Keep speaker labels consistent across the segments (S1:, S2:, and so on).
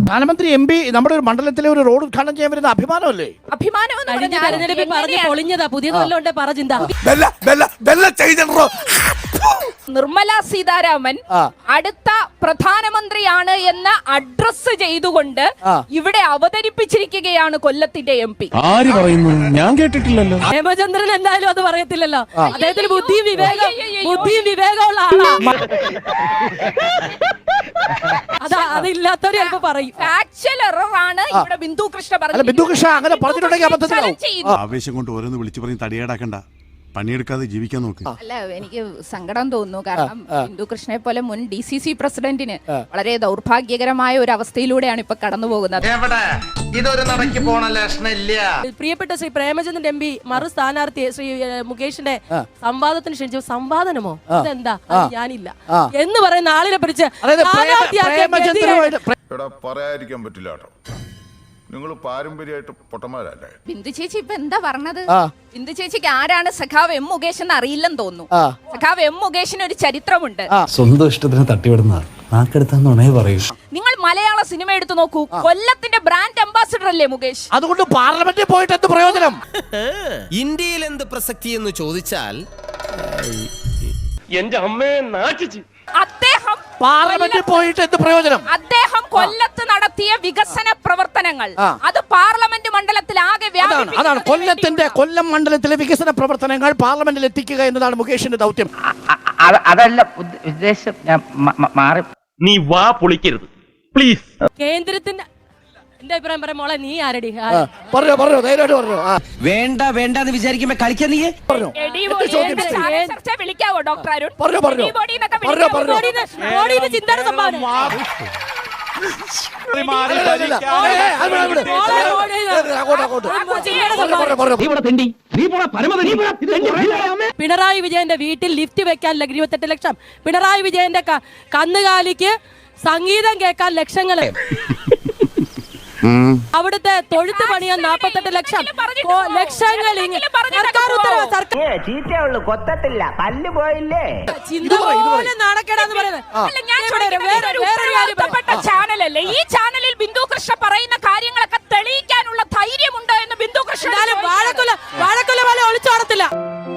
S1: പ്രധാനമന്ത്രി M P നമ്മുടെ ഒരു മണ്ഡലത്തിലെ ഒരു റോഡ് ഉദ്ഘാടനം ചെയ്യാൻ വരുന്ന അഭിമാനമല്ലേ?
S2: അഭിമാനം
S3: പറഞ്ഞു പൊളിഞ്ഞതാ പുതിയതല്ലോണ്ടേ പറ ചിന്ത.
S2: നിർമ്മല സീതാരാമൻ അടുത്ത പ്രധാനമന്ത്രിയാണ് എന്ന് അഡ്രസ് ചെയ്തുകൊണ്ട് ഇവിടെ അവതരിപ്പിച്ചിരിക്കുകയാണ് കൊല്ലത്തിന്റെ എം പി.
S4: ആര് പറയുന്നു? ഞാൻ കേട്ടിട്ടില്ലല്ലോ.
S3: ഹേമചന്ദ്രൻ എന്തായാലും അത് പറയത്തില്ലല്ലോ. അദ്ദേഹത്തിന് ബുദ്ധിയും വിവേകമുള്ള ആളാണ്. അതില്ലാത്തവര് ചിലപ്പോ പറയും.
S2: ഫാക്ച്വൽ എററാണ് ഇവിടെ ബിന്ദു കൃഷ്ണ പറഞ്ഞത്.
S1: ബിന്ദു കൃഷ്ണ അങ്ങനെ പറഞ്ഞിട്ടുണ്ടെങ്കിൽ അബദ്ധത്തിലാവും.
S5: ആവേശം കൊണ്ട് ഓരോന്ന് വിളിച്ചു പറഞ്ഞ് തടിയേടാക്കണ്ട, പണിയെടുക്കാതെ ജീവിക്കാൻ നോക്ക്.
S2: അല്ല, എനിക്ക് സങ്കടം തോന്നുന്നു. കാരണം ബിന്ദു കൃഷ്ണയെ പോലെ മുൻ DCC പ്രസിഡന്റിന് വളരെ ദൗർഭാഗ്യകരമായ ഒരു അവസ്ഥയിലൂടെയാണ് ഇപ്പൊ കടന്നു പോകുന്നത്.
S3: പ്രിയപ്പെട്ട ശ്രീ പ്രേമചന്ദ്രൻ MP മറു സ്ഥാനാർത്ഥിയെ ശ്രീ മുകേഷിന്റെ സംവാദത്തിന് ക്ഷണിച്ചു. സംവാദനമോ അതെന്താ? ഞാനില്ല എന്ന് പറയുന്ന ആളിനെ പിടിച്ച്
S6: പറയാതിരിക്കാൻ പറ്റില്ല കേട്ടോ. നിങ്ങൾ പാരമ്പര്യമായിട്ട് പൊട്ടന്മാരല്ലേ.
S2: ബിന്ദു ചേച്ചി ഇപ്പൊ എന്താ പറഞ്ഞത്? ബിന്ദു ചേച്ചിക്ക് ആരാണ് സഖാവ് M മുകേഷ് എന്ന് അറിയില്ലെന്ന് തോന്നുന്നു. സഖാവ് M മുകേഷിന് ഒരു ചരിത്രമുണ്ട്.
S4: സ്വന്തം ഇഷ്ടത്തിന് തട്ടിവിടുന്ന നാക്കെടുത്താന്നുണേ പറയൂ.
S2: നിങ്ങൾ മലയാള സിനിമ എടുത്തു നോക്കൂ. കൊല്ലത്തിന്റെ ബ്രാൻഡ് അംബാസിഡർ അല്ലേ മുകേഷ്?
S1: അതുകൊണ്ട് പാർലമെന്റിൽ പോയിട്ട് എന്ത് പ്രയോജനം?
S7: ഇന്ത്യയിൽ എന്ത് പ്രസക്തി എന്ന് ചോദിച്ചാൽ
S8: എന്റെ അമ്മയെ നാട്ടിച്ച്
S2: അദ്ദേഹം
S1: പാർലമെന്റിൽ പോയിട്ട് എന്ത് പ്രയോജനം?
S2: അദ്ദേഹം കൊല്ലത്ത് നടത്തിയ വികസന പ്രവർത്തനങ്ങൾ അത് പാർലമെന്റ് മണ്ഡലത്തിൽ ആകെ
S1: അതാണ് കൊല്ലം മണ്ഡലത്തിലെ വികസന പ്രവർത്തനങ്ങൾ പാർലമെന്റിൽ എത്തിക്കുക എന്നതാണ് മുകേഷിന്റെ ദൗത്യം.
S9: അതല്ല ഉദ്ദേശം. ഞാൻ മാറി.
S8: നീ വാ പൊളിക്കരുത് പ്ലീസ്.
S3: കേന്ദ്രത്തിന്റെ എന്റെ അഭിപ്രായം പറയാം. മോളെ നീ ആരടി?
S1: പറഞ്ഞോ ധൈര്യമായിട്ട് പറഞ്ഞോ.
S7: വേണ്ടെന്ന് വിചാരിക്കുമ്പോ കളിക്കാൻ നീ
S2: വിളിക്കാവോ ഡോക്ടർ അരുൺ?
S3: ചിന്താ സംഭാവന പിണറായി വിജയന്റെ വീട്ടിൽ ലിഫ്റ്റ് വെക്കാൻ 28 ലക്ഷം. പിണറായി വിജയന്റെ കന്നുകാലിക്ക് സംഗീതം കേൾക്കാൻ ലക്ഷങ്ങള്. അവിടുത്തെ തൊഴുത്ത് പണിയാൻ 48 ലക്ഷം. ലക്ഷങ്ങൾ നാണക്കേടാന്ന്
S2: ചാനലല്ലേ ഈ ചാനലിൽ ബിന്ദു കൃഷ്ണ പറയുന്ന കാര്യങ്ങളൊക്കെ തെളിയിക്കാനുള്ള ധൈര്യമുണ്ടോ എന്ന് ബിന്ദു കൃഷ്ണ
S3: വാഴക്കൊല പോലെ ഒളിച്ചോടത്തില്ല.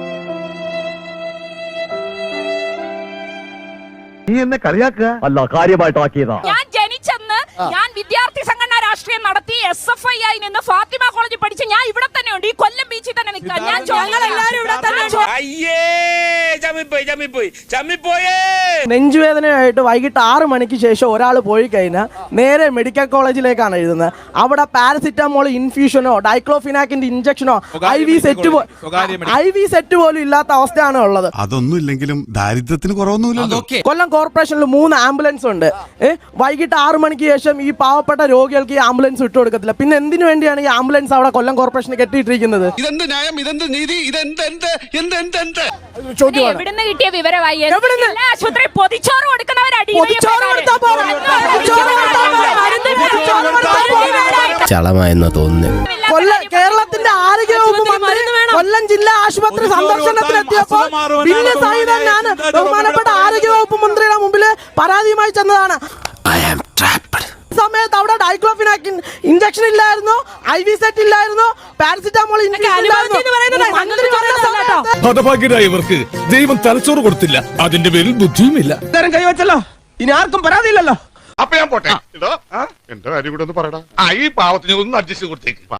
S4: നീ എന്നെ കളിയാക്കുക അല്ല, കാര്യമായിട്ടാക്കിയതാ.
S2: ഞാൻ ജനിച്ചെന്ന് ഞാൻ വിദ്യാർത്ഥി സംഘടന രാഷ്ട്രീയം നടത്തി SFI ആയി നിന്ന് ഫാത്തിമ കോളേജിൽ പഠിച്ച് ഞാൻ ഇവിടെ തന്നെ ഉണ്ട്. ഈ കൊല്ലം ബീച്ചിൽ തന്നെ നിൽക്കാം.
S10: നെഞ്ചുവേദനയായിട്ട് വൈകിട്ട് 6 മണിക്ക് ശേഷം ഒരാൾ പോയി കഴിഞ്ഞാൽ നേരെ മെഡിക്കൽ കോളേജിലേക്കാണ് എഴുതുന്നത്. അവിടെ പാരസിറ്റമോൾ ഇൻഫ്യൂഷനോ ഡൈക്ലോഫിനാക്കിന്റെ ഇഞ്ചക്ഷനോ IV സെറ്റ് പോലും ഇല്ലാത്ത അവസ്ഥയാണ് ഉള്ളത്.
S5: അതൊന്നും ഇല്ലെങ്കിലും ദാരിദ്ര്യത്തിന് കുറവൊന്നുമില്ലല്ലോ.
S10: കൊല്ലം കോർപ്പറേഷനിൽ 3 ആംബുലൻസ് ഉണ്ട്. വൈകിട്ട് 6 മണിക്ക് ശേഷം ഈ പാവപ്പെട്ട രോഗികൾക്ക് ഈ ആംബുലൻസ് വിട്ടു കൊടുക്കത്തില്ല. പിന്നെ എന്തിനു വേണ്ടിയാണ് ഈ ആംബുലൻസ് അവിടെ കൊല്ലം കോർപ്പറേഷന് കെട്ടിയിട്ടിരിക്കുന്നത്?
S7: ഇതെന്ത് ന്യായം, ഇതെന്ത് നീതി,
S2: എവിടുന്ന് കിട്ടിയ വിവരമായി? ആശുപത്രി പൊതിച്ചോറ് കൊടുക്കുന്നവരടി
S7: ചളമായെന്ന് തോന്നുന്നു.
S10: കേരളത്തിന്റെ ആരോഗ്യവകുപ്പ് മന്ത്രി കൊല്ലം ജില്ലാ ആശുപത്രി സന്ദർശനത്തിലെത്തിയപ്പോൾ ഞാൻ ബഹുമാനപ്പെട്ട ആരോഗ്യവകുപ്പ് മന്ത്രിയുടെ മുമ്പിൽ പരാതിയുമായി ചെന്നതാണ്. സമയത്ത് അവിടെ ഡൈക്ലോഫിനാക്കിൻ ഇഞ്ചക്ഷൻ ഇല്ലായിരുന്നു, IV സെറ്റ് ഇല്ലായിരുന്നു, പാരസിറ്റമോൾ
S4: ഹതഭാഗ്യരായവർക്ക് ദൈവം തലച്ചോറ് കൊടുത്തില്ല, അതിന്റെ പേരിൽ ബുദ്ധിയുമില്ല.
S7: കൈവച്ചല്ലോ, ഇനി ആർക്കും പരാതിയില്ലല്ലോ.
S6: അപ്പൊ ഞാൻ പോട്ടെ. എന്റെ കാര്യം കൂടെ ഒന്ന് പറയടാ. ഈ പാവത്തിന് ഒന്ന് അഡ്ജസ്റ്റ് കൊടുത്തേക്ക്.